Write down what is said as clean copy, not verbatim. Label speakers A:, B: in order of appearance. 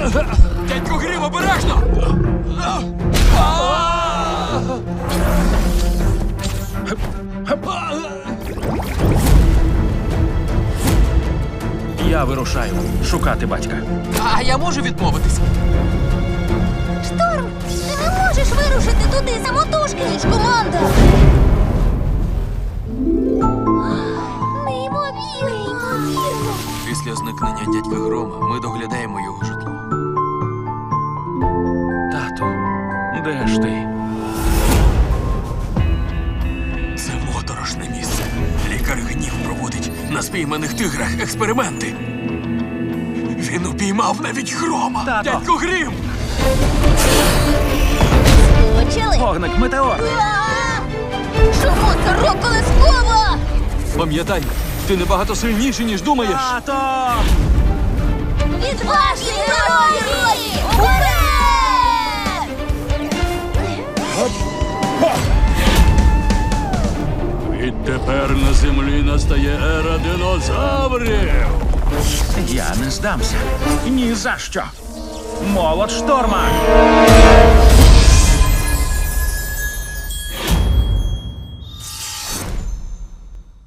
A: Дядько Грім, обережно!
B: Я вирушаю шукати батька.
A: А я можу відмовитись?
C: Шторм, ти не можеш вирушити туди самотужки, ніж команда. Неймовірно.
A: Після зникнення дядька Грома ми доглядаємо його житло.
B: Тату, де ж ти?
A: Це моторошне місце. Лікар Гнів проводить на спійманих тиграх експерименти. Він упіймав навіть Грома.
B: Тато!
A: Дядько Грім!
C: Почали.
B: Вогник метеор!
C: Чому це рок-колескова?
A: Пам'ятай, ти набагато сильніший, ніж думаєш.
B: Тато!
C: Відважні герої! Уперед!
D: Відтепер на землі настає ера динозаврів.
B: Я не здамся. Ні за що. Молот шторма!